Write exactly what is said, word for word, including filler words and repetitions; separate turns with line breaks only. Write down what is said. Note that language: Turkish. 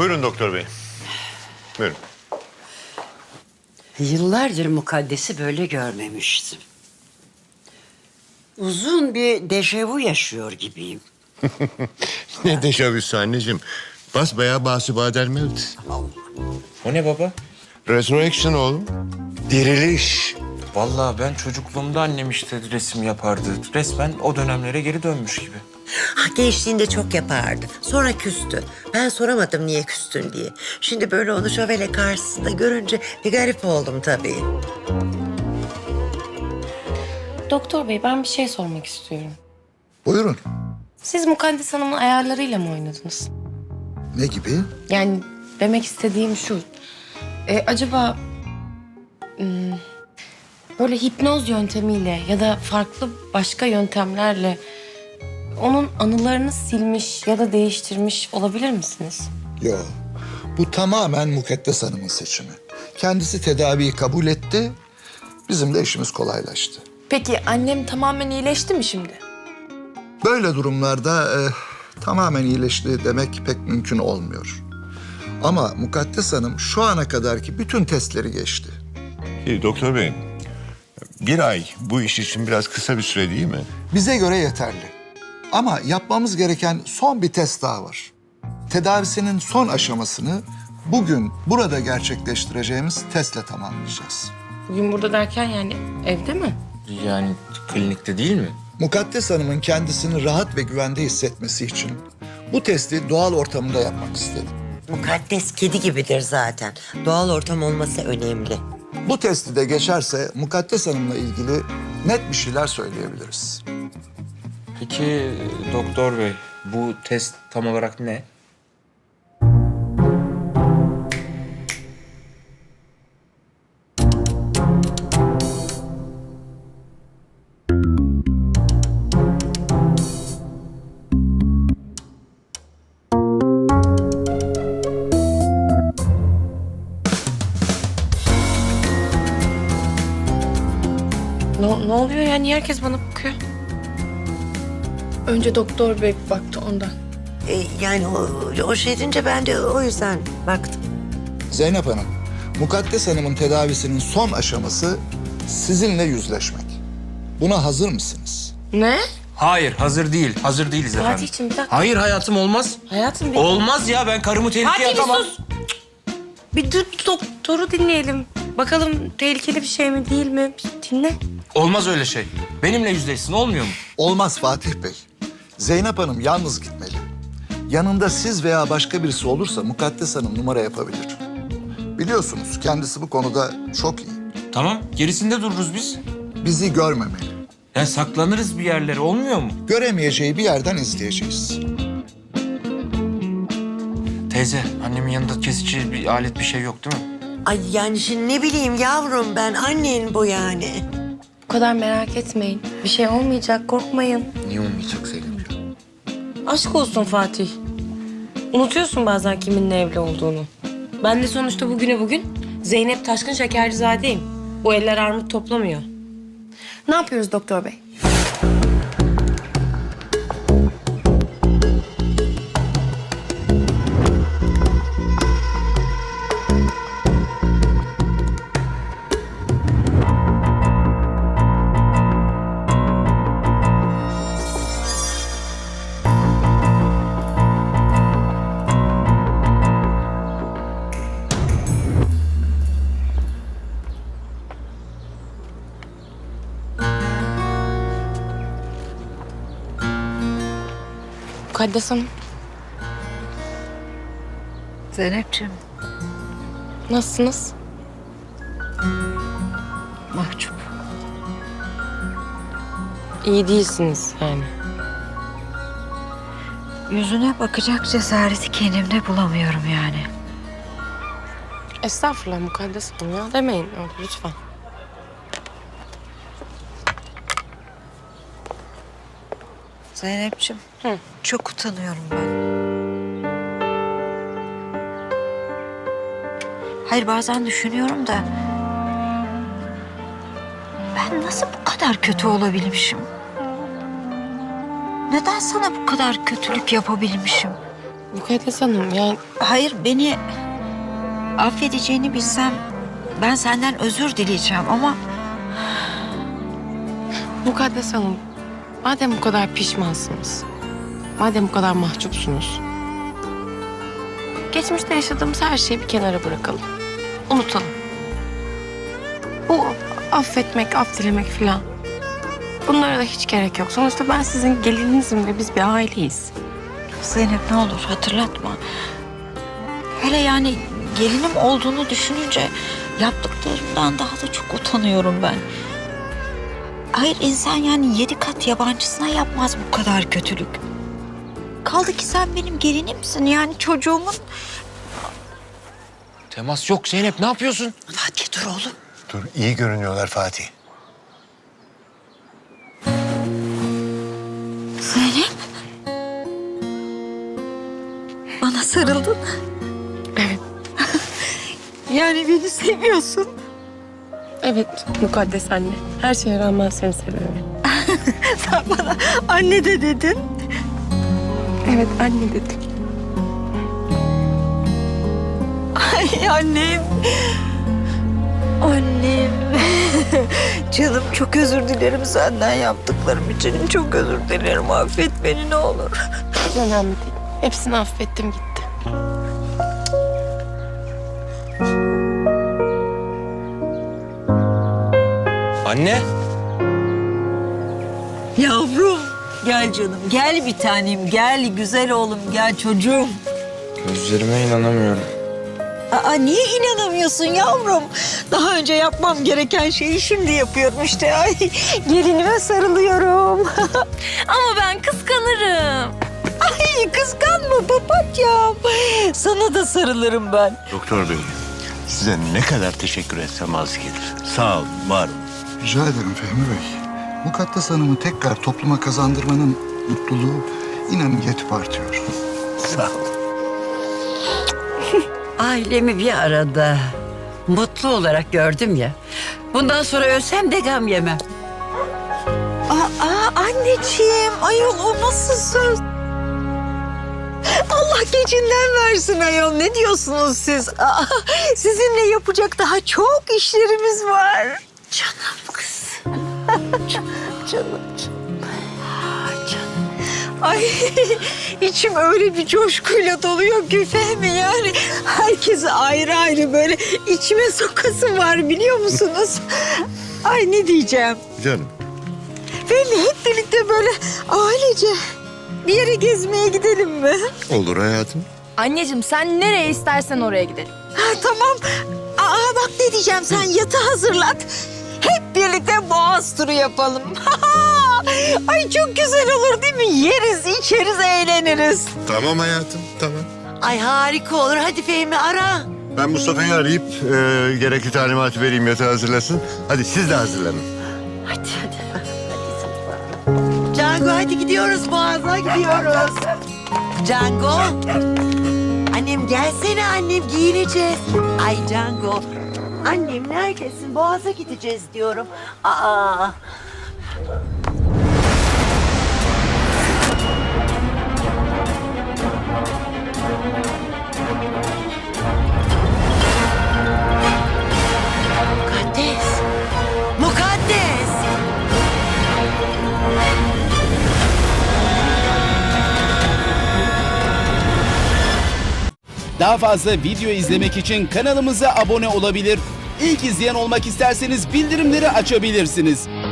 Buyurun doktor bey. Buyurun.
Yıllardır Mukaddes'i böyle görmemiştim. Uzun bir dejavu yaşıyor gibiyim.
Ne deşavüsü anneciğim. Basbayağı basibadel mevt.
O ne baba?
Resurrection oğlum. Diriliş.
Vallahi ben çocukluğumda annem işte resim yapardı. Resmen o dönemlere geri dönmüş gibi.
Ha, gençliğinde çok yapardı. Sonra küstü. Ben soramadım niye küstün diye. Şimdi böyle onu şövalye karşısında görünce bir garip oldum tabii.
Doktor bey ben bir şey sormak istiyorum.
Buyurun.
Siz Mukaddes Hanım'ın ayarlarıyla mı oynadınız?
Ne gibi?
Yani demek istediğim şu. e, acaba hmm, böyle hipnoz yöntemiyle ya da farklı başka yöntemlerle onun anılarını silmiş ya da değiştirmiş olabilir misiniz?
Yo. Bu tamamen Mukaddes Hanım'ın seçimi. Kendisi tedaviyi kabul etti. Bizim de işimiz kolaylaştı.
Peki annem tamamen iyileşti mi şimdi?
Böyle durumlarda e, tamamen iyileşti demek pek mümkün olmuyor. Ama Mukaddes Hanım şu ana kadarki bütün testleri geçti.
Ee, doktor bey, bir ay bu iş için biraz kısa bir süre değil mi?
Bize göre yeterli. Ama yapmamız gereken son bir test daha var. Tedavisinin son aşamasını bugün burada gerçekleştireceğimiz testle tamamlayacağız.
Bugün burada derken yani evde mi?
Yani klinikte değil mi?
Mukaddes Hanım'ın kendisini rahat ve güvende hissetmesi için bu testi doğal ortamında yapmak istedim.
Mukaddes kedi gibidir zaten. Doğal ortam olması önemli.
Bu testi de geçerse Mukaddes Hanım'la ilgili net bir şeyler söyleyebiliriz.
Peki doktor bey bu test tam olarak ne?
Ne, ne oluyor ya? Niye herkes bana bakıyor?
Önce doktor bey baktı ondan.
Ee, yani o, o şey deyince ben de o yüzden baktım.
Zeynep Hanım, Mukaddes Hanım'ın tedavisinin son aşaması sizinle yüzleşmek. Buna hazır mısınız?
Ne?
Hayır hazır değil. Hazır değiliz efendim.
Fatih'ciğim bir dakika.
Hayır hayatım olmaz.
Hayatım bir...
Olmaz ya ben karımı tehlikeye
Fatih bir
atamam.
sus. Bir dur doktoru dinleyelim. Bakalım tehlikeli bir şey mi değil mi? Bir dinle.
Olmaz öyle şey. Benimle yüzleşsin olmuyor mu?
Olmaz Fatih Bey. Zeynep Hanım yalnız gitmeli. Yanında siz veya başka birisi olursa Mukaddes Hanım numara yapabilir. Biliyorsunuz kendisi bu konuda çok iyi.
Tamam gerisinde dururuz biz.
Bizi görmemeli.
Ya saklanırız bir yerlere olmuyor mu?
Göremeyeceği bir yerden izleyeceğiz.
Teyze annemin yanında kesici bir alet bir şey yok değil mi?
Ay yani şimdi ne bileyim yavrum ben annen bu yani.
Bu kadar merak etmeyin. Bir şey olmayacak, korkmayın.
Niye olmayacak Zeynep?
Aşk olsun Fatih. Unutuyorsun bazen kiminle evli olduğunu. Ben de sonuçta bugüne bugün Zeynep Taşkın Şekercizade'yim. Bu eller armut toplamıyor.
Ne yapıyoruz doktor bey?
Mukaddes Hanım,
Zeynepciğim,
nasılsınız?
mahcup.
İyi değilsiniz yani.
Yüzüne bakacak cesareti kendimde bulamıyorum yani.
Estağfurullah Mukaddes Hanım ya. Demeyin öyle lütfen.
Zeynepciğim,
Hı.
çok utanıyorum ben. Hayır bazen düşünüyorum da... ben nasıl bu kadar kötü olabilmişim? Neden sana bu kadar kötülük yapabilmişim?
Mukaddes Hanım yani
Hayır, beni affedeceğini bilsem ben senden özür dileyeceğim ama
Mukaddes Hanım, madem bu kadar pişmansınız, madem bu kadar mahcupsunuz, geçmişte yaşadığımız her şeyi bir kenara bırakalım. Unutalım. Bu affetmek, af dilemek falan. Bunlara da hiç gerek yok. Sonuçta ben sizin gelininizim ve biz bir aileyiz.
Zeynep ne olur hatırlatma. Hele yani gelinim olduğunu düşününce yaptıklarımdan daha da çok utanıyorum ben. Hayır, insan yani yedi kat yabancısına yapmaz bu kadar kötülük. Kaldı ki sen benim gelinimsin, yani çocuğumun.
Temas yok Zeynep, ne yapıyorsun?
Fatih dur oğlum.
Dur, iyi görünüyorlar Fatih.
Zeynep. Bana sarıldın.
Evet.
Yani beni seviyorsun.
Evet Mukaddes anne. Her şeye rağmen seni seviyorum.
Sen bana anne de dedin.
Evet anne dedim.
Ay annem. Annem. Canım çok özür dilerim senden yaptıklarım için. Çok özür dilerim. Affet beni ne olur.
Hiç önemli değil. Hepsini affettim gitti.
Anne.
Yavrum. Gel canım. Gel bir tanem. Gel güzel oğlum. Gel çocuğum.
Gözlerime inanamıyorum.
Aa, niye inanamıyorsun yavrum? Daha önce yapmam gereken şeyi şimdi yapıyorum işte. Ay, gelinime sarılıyorum.
Ama ben kıskanırım.
Ay kıskanma papatyam. Sana da sarılırım ben.
Doktor bey, size ne kadar teşekkür etsem az gelir. Sağ olun, var olun.
Rica ederim Fehmi Bey. Mukaddes Hanım'ı tekrar topluma kazandırmanın mutluluğu inanın yetip artıyor.
Sağ olun.
Ailemi bir arada mutlu olarak gördüm ya. Bundan sonra ölsem de gam yemem.
Aa, anneciğim, ayol o nasıl söz? Allah gecinden versin ayol. Ne diyorsunuz siz? Aa, sizinle yapacak daha çok işlerimiz var.
Canım kız.
Canım. Ay içim öyle bir coşkuyla doluyor ki Fehmi, yani herkese ayrı ayrı böyle içime sokası var biliyor musunuz? Ay ne diyeceğim?
Canım.
Fehmi hep birlikte böyle ailece bir yere gezmeye gidelim mi?
Olur hayatım.
Anneciğim sen nereye istersen oraya gidelim.
Ha, tamam. Aa bak ne diyeceğim, sen yatı hazırlat. Hep birlikte boğaz turu yapalım. Ay çok güzel olur değil mi? Yeriz, içeriz, eğleniriz.
Tamam hayatım, tamam.
Ay harika olur. Hadi Fehmi ara.
Ben Mustafa'yı arayıp e, gerekli talimatı vereyim, yatağı hazırlasın. Hadi siz de hazırlanın.
Hadi hadi. Cango hadi gidiyoruz, Boğaz'a gidiyoruz. Cango. Annem gelsene annem, giyineceğiz. Ay Cango. Annem neredesin? Boğaz'a gideceğiz diyorum. Aa. Mukaddes. Mukaddes.
Daha fazla video izlemek için kanalımıza abone olabilir. İlk izleyen olmak isterseniz bildirimleri açabilirsiniz.